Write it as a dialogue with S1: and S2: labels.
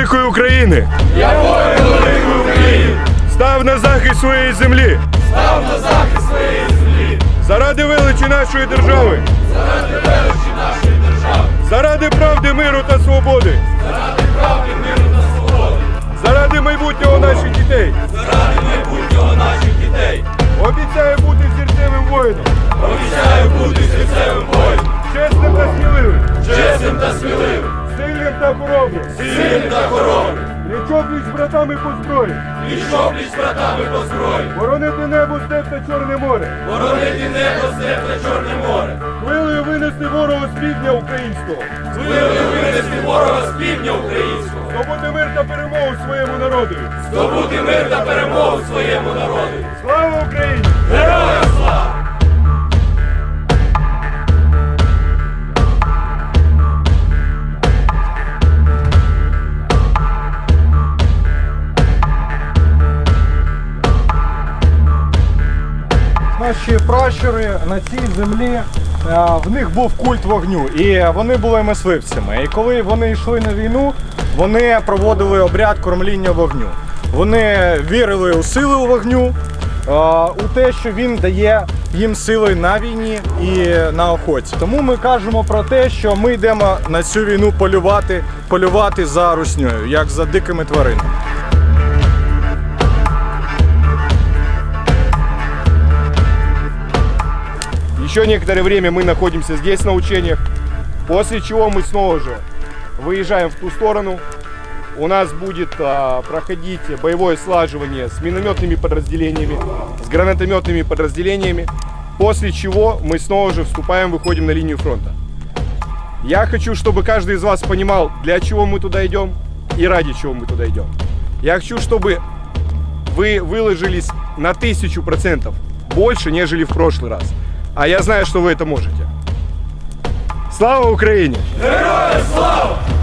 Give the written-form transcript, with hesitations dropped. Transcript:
S1: великої України!
S2: Якої великої України!
S1: Став на захист своєї землі!
S2: Став на захист своєї землі!
S1: Заради величі нашої держави!
S2: Заради величі нашої держави!
S1: Заради правди, миру та свободи!
S2: Заради правди, миру та свободи!
S1: Заради майбутнього наших дітей!
S2: Заради майбутнього наших дітей!
S1: Обіцяю бути серцевим воїном!
S2: Обіцяю бути серцевим воїном!
S1: Чесним та сміливим!
S2: Чесним та сміливим!
S1: Сильним та хоробрим!
S2: Сильним та хоробрим!
S1: Пліч-о-пліч з братами по зброї!
S2: Пліч-о-пліч з братами по зброї!
S1: Боронити небо, степ та Чорне море!
S2: Боронити небо, степ та Чорне море!
S1: Хвилею винести ворога з півдня українського!
S2: Хвилею винести ворога з півдня українського!
S1: Здобути мир та перемогу своєму народу!
S2: Здобути мир та перемогу своєму народу!
S1: Слава Україні!
S2: Героям слава!
S3: Наші пращури на цій землі, в них був культ вогню, і вони були мисливцями. І коли вони йшли на війну, вони проводили обряд кормління вогню. Вони вірили у силу вогню, у те, що він дає їм сили на війні і на охоті. Тому ми кажемо про те, що ми йдемо на цю війну полювати за руснею, як за дикими тваринами.
S1: Еще некоторое время мы находимся здесь на учениях, после чего мы снова же выезжаем в ту сторону. У нас будет проходить боевое слаживание с минометными подразделениями, с гранатометными подразделениями, после чего мы снова же вступаем, выходим на линию фронта. Я хочу, чтобы каждый из вас понимал, для чего мы туда идем и ради чего мы туда идем. Я хочу, чтобы вы выложились на 1000% больше, нежели в прошлый раз. А я знаю, что вы это можете. Слава Украине!
S2: Героям слава!